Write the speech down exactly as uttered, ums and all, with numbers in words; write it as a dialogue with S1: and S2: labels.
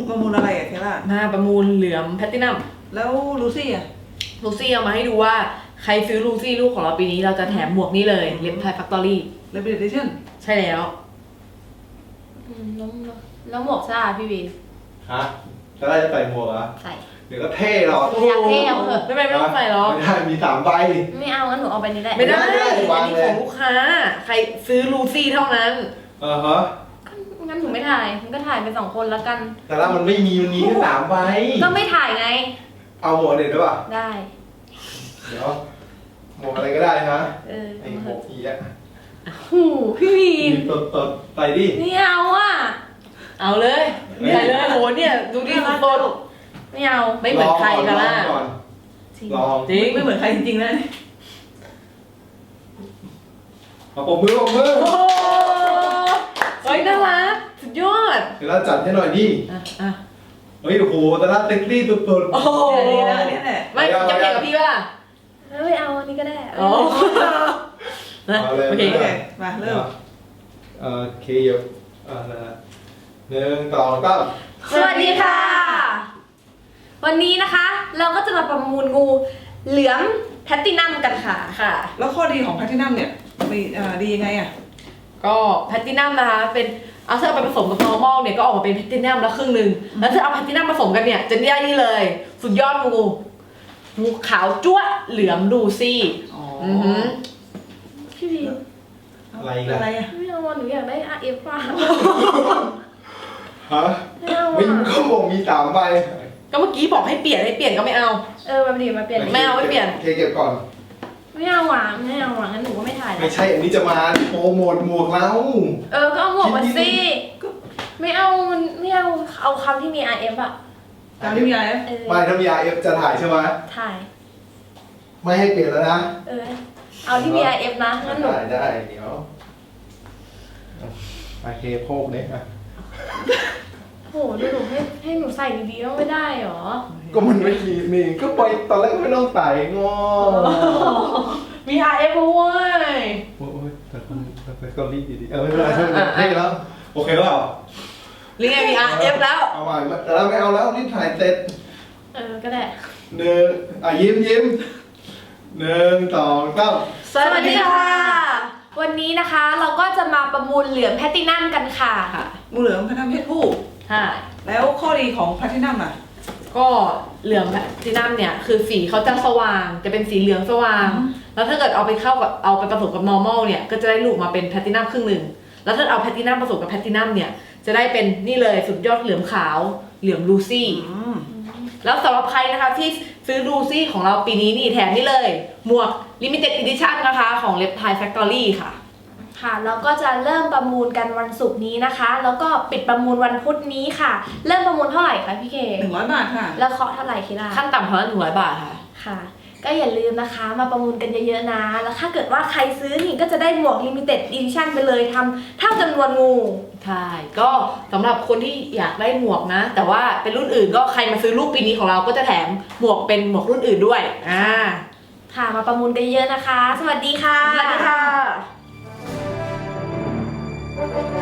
S1: ประมูลอะไรอะเคล่า
S2: มาประมูลเหลือมแพลตินัม
S1: แล้วลูซี่อะ
S2: ลูซี่เอามาให้ดูว่าใครซื้อลูซี่ลูกของเราปีนี้เราจะแถมหมวกนี้เลยเล็บไทยแฟคทอรี่
S1: เลเบเดชั่น
S2: ใช่แล้ว
S3: แล้วแล้วหมวกซ่าพี่วิน
S4: ฮะจะได้จะใส่หมวกเหรอ
S3: ใส่
S4: เดี๋ยวก็เท่หรอก
S3: อยากเท่เอาเถอะ
S2: ไม่ไม่ไม่ต้องใส่หรอก
S4: ไม่ได้มีสามใบ
S3: ไม่เอางั้นหนูเอาไปนี่แหละ
S2: ไม่ได้อันนี้ของลูกค้าใครซื้อลูซี่เท่านั้น
S4: เออฮะ
S3: งั้นหนูไม่ถ่ายมันก็ถ่ายไปสองคนแล้วกัน
S4: แต่ละมันไม่มีมันมีแค่สามใบ
S3: ก็ไม่ถ่ายไง
S4: เอาหมวกเด็ดด้วยป่ะ
S3: ได้
S4: เดี๋ยวหมวกอะไรก็ได้นะ
S3: เออ
S4: ไอหมวกอีอะ
S3: หูพี่วีน
S4: ตดตดใส่ดิ
S3: ไม่เอาอ่ะ
S2: เอาเลยใส่เลยโหเนี่ยดูดิสุดโต
S3: ไม่เอา
S2: ไม่เหมือนใครกันล่ะ
S4: ลอง
S2: จริง
S1: ไม่เหมือนใครจริงๆนะ
S4: มาปมมือปมมือ
S2: โอ้เฮ้ยน่ารักสุดยอด
S4: เดี๋ยวเราจัดให้หน่อยดิ
S2: อ่ะอ่ะ
S4: เฮ้ยโอ้โหแต่ละเซ็กซี่สุดๆ
S2: โอ้โห
S1: นี่นะนี่แหละ
S2: ไม่จะเกี่ยวกับพี่ป่ะ
S3: ไม่เอาอันนี้ก็ได้
S2: อ๋อโอเค
S1: มาเริ่ม
S4: โอเคเยอะอ่าหนึ่งสองสาม
S3: สวัสดีค่ะวันนี้นะคะเราก็จะมาประมูลงูเหลือมแพลตินัมกันค่ะ
S2: ค่ะ
S1: แล้วข้อดีของแพลตินัมเนี่ยมีดียังไงอ่ะ
S2: ก็แพลตินัมนะคะเป็นเอาถ้าเอาไปผสมกับนอร์มอลเนี่ยก็ออกมาเป็นแพลตินัมแล้วครึ่งหนึ่งแล้วถ้าเอาแพลตินัมผสมกันเนี่ยจะได้นี่เลยสุดยอดงูงูขาวจั๊วเหลือมดูซี่
S1: อ๋อ
S3: พี่วี
S4: อะไร
S1: อะไรอ่ะ
S3: ไม่เอาหนูอยากได้ อาร์ เอฟ ป่ะ
S4: ฮะไม่เอาอ่ะก็บอกมีสามใบ
S2: ก็เมื่อกี้บอกให้เปลี่ยนให้เปลี่ยนก็ไม่เอา
S3: เออมาดีมาเปลี่ยน
S2: ไม่เอาไม่เปลี่ยน
S4: เคเก็บก่อน
S3: ไม่เอาหวานไม่เอาหวานงั้นหนูก็ไม่ถ่ายแล้ว
S4: ไม่ใช่อันนี้จะมาโปรโมทหมวกเรา
S3: เออก็เอาหมวกมาสิไม่เอาไม่เอาเอาคำที่มี อาร์ เอฟ อ่ะ
S1: คำที่มี อาร์ เอฟ
S4: ไม่ถ้ามี อาร์ เอฟ จะถ่ายใช่ไหม
S3: ถ่าย
S4: ไม่ให้เปลี่ยนแล้วนะ
S3: เออเอาที่มี อาร์ เอฟ นะงั้นหนู
S4: ได้ได้เดี๋ยวโอเคโพกเนี่ยอ่ะ
S3: โหดูหนูให้ให้หนูใส่ดีๆไม่ได้หรอ
S4: ก็มันไม่มีนี่ก็ไปตอนแรกไม่ต้องใส่งอ
S2: มี อาร์ เอฟ ด้วย
S4: โอ้ยแต่คนแต่ก็รีบดีๆเออไม่เป็นไรใช่ไหมให้แล้วโอเคแล้ว
S2: ลิงไงมี อาร์ เอฟ แล้ว
S4: เอาใหม่แต่เราไม่เอาแล้วนี่ถ่ายเสร็จ
S3: เออก็ได้
S4: หนึ่งอ่ะยิ้มยิ้มหนึ่งสองสาม
S3: สวัสดีค่ะวันนี้นะคะเราก็จะมาประมูลเหลือมแพลตินัมกันค่ะ
S1: งูเหลือมแพลตินัมเพศผู้
S2: ใช่
S1: แล้วข้อดีของแพลตินัมอ่ะ
S2: ก็เหลืองแพลตินัมเนี่ยคือสีเขาจะสว่างจะเป็นสีเหลืองสว่างแล้วถ้าเกิดเอาไปเข้ากับเอาไปผสมกับ normal เนี่ยก็จะได้ลูกมาเป็นแพลตินัมครึ่งหนึ่งแล้วถ้าเอาแพลตินัมผสมกับแพลตินัมเนี่ยจะได้เป็นนี่เลยสุดยอดเหลืองขาวเหลืองลูซี่แล้วสำหรับใครนะคะที่ซื้อลูซี่ของเราปีนี้นี่แถมนี่เลยหมวก limited edition นะคะของเล็บไทยแฟคทอรี่ค่ะ
S3: ค่ะแล้วก็จะเริ่มประมูลกันวันศุกร์นี้นะคะแล้วก็ปิดประมูลวันพุธนี้ค่ะเริ่มประมูลเท่าไหร่คะพี่เค
S1: หนึ่งร้อยบาทค่ะ
S3: แล้วเคาะเท่าไหร่คิดว่า
S2: ขั้นต่ำเท่านั้นหนึ่งร้อยบาทค่ะ
S3: ค่ะก็อย่าลืมนะคะมาประมูลกันเยอะๆนะแล้วถ้าเกิดว่าใครซื้อนี่ก็จะได้หมวก limited edition ไปเลยทำเท่าจำนวนงู
S2: ใช่ก็สำหรับคนที่อยากได้หมวกนะแต่ว่าเป็นรุ่นอื่นก็ใครมาซื้อลูกปีนี้ของเราก็จะแถมหมวกเป็นหมวกรุ่นอื่นด้วยอ่า
S3: ค่ะมาประมูลกันเยอะนะคะสวัสดีค่ะ
S2: สวัสดีค่ะ